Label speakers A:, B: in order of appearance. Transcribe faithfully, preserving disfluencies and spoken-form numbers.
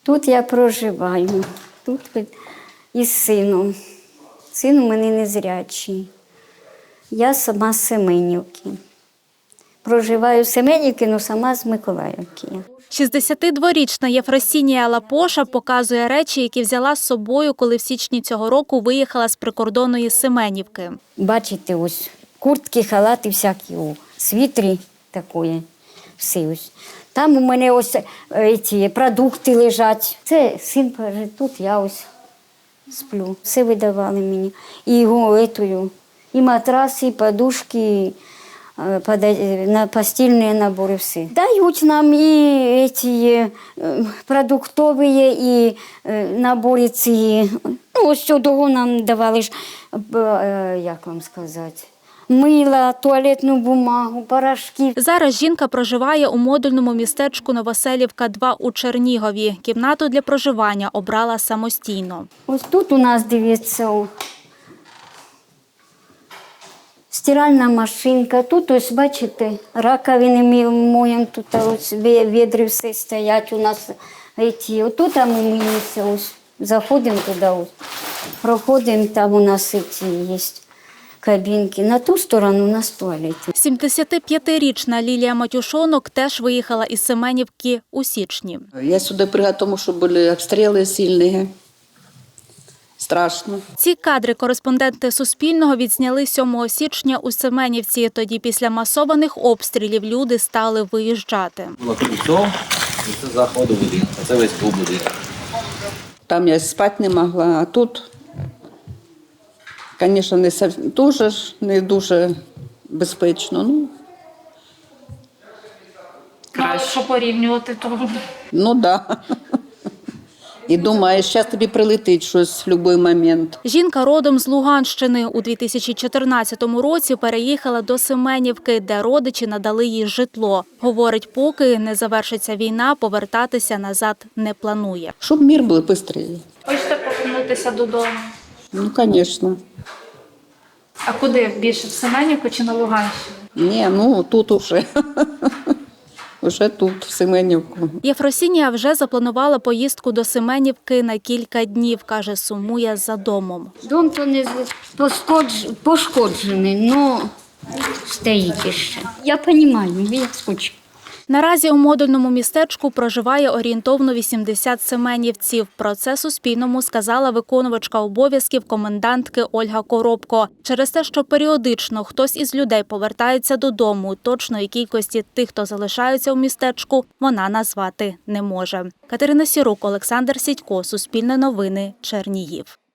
A: Тут я проживаю, тут із сином. Син у мене незрячий. Я сама з Семенівки. Проживаю в Семенівці, але сама з Миколаївки.
B: шістдесятидворічна Єфросинія Лапоша показує речі, які взяла з собою, коли в січні цього року виїхала з прикордонної Семенівки.
A: Бачите, ось куртки, халати всякі, о, світрі такої, всі ось. Там у мене ось ці продукти лежать. Це син каже, тут я ось сплю. Все видавали мені. І його етою, і матраси, і подушки, на постільні набори, все. Дають нам і ці продуктові, і набори ці. Ну, ось цього нам давали ж, як вам сказати, мила, туалетну бумагу, порошки.
B: Зараз жінка проживає у модульному містечку Новоселівка два у Чернігові. Кімнату для проживання обрала самостійно.
A: Ось тут у нас, дивіться, стиральна машинка. Тут ось, бачите, раковини ми моємо, тут ось відри все стоять у нас. Тут ми миємося, ось, заходимо туди, ось, проходимо, там у нас ці є кабінки. На ту сторону у нас туалет.
B: сімдесятип'ятирічна Лілія Матюшонок теж виїхала із Семенівки у січні.
C: Я сюди приїхала, тому що були обстріли сильні. Страшно.
B: Ці кадри кореспонденти Суспільного відзняли сьомого січня у Семенівці. Тоді після масованих обстрілів люди стали виїжджати.
D: Було крильцо, і це заходу будинку, це весь був будинок.
C: Там я спати не могла, а тут, звісно, не дуже, не дуже безпечно. Ну,
B: краще. Що порівнювати того?
C: ну да. І думаєш, зараз тобі прилетить щось в будь-який момент.
B: Жінка родом з Луганщини. У дві тисячі чотирнадцятому році переїхала до Семенівки, де родичі надали їй житло. Говорить, поки не завершиться війна, повертатися назад не планує.
C: Щоб мир був швидше.
B: Хочете повернутися додому?
C: Ну, звісно.
B: А куди? Більше в Семенівку чи на Луганщину?
C: Ні, ну тут уже. Уже тут, в Семенівку.
B: Єфросинія вже запланувала поїздку до Семенівки на кілька днів. Каже, сумує за домом.
A: Дом то не пошкоджений, але стоїть ще. Я розумію, я скучу.
B: Наразі у модульному містечку проживає орієнтовно вісімдесят семенівців. Про це Суспільному сказала виконувачка обов'язків комендантки Ольга Коробко. Через те, що періодично хтось із людей повертається додому, точної кількості тих, хто залишаються у містечку, вона назвати не може. Катерина Сірук, Олександр Сідько, Суспільне новини, Чернігів.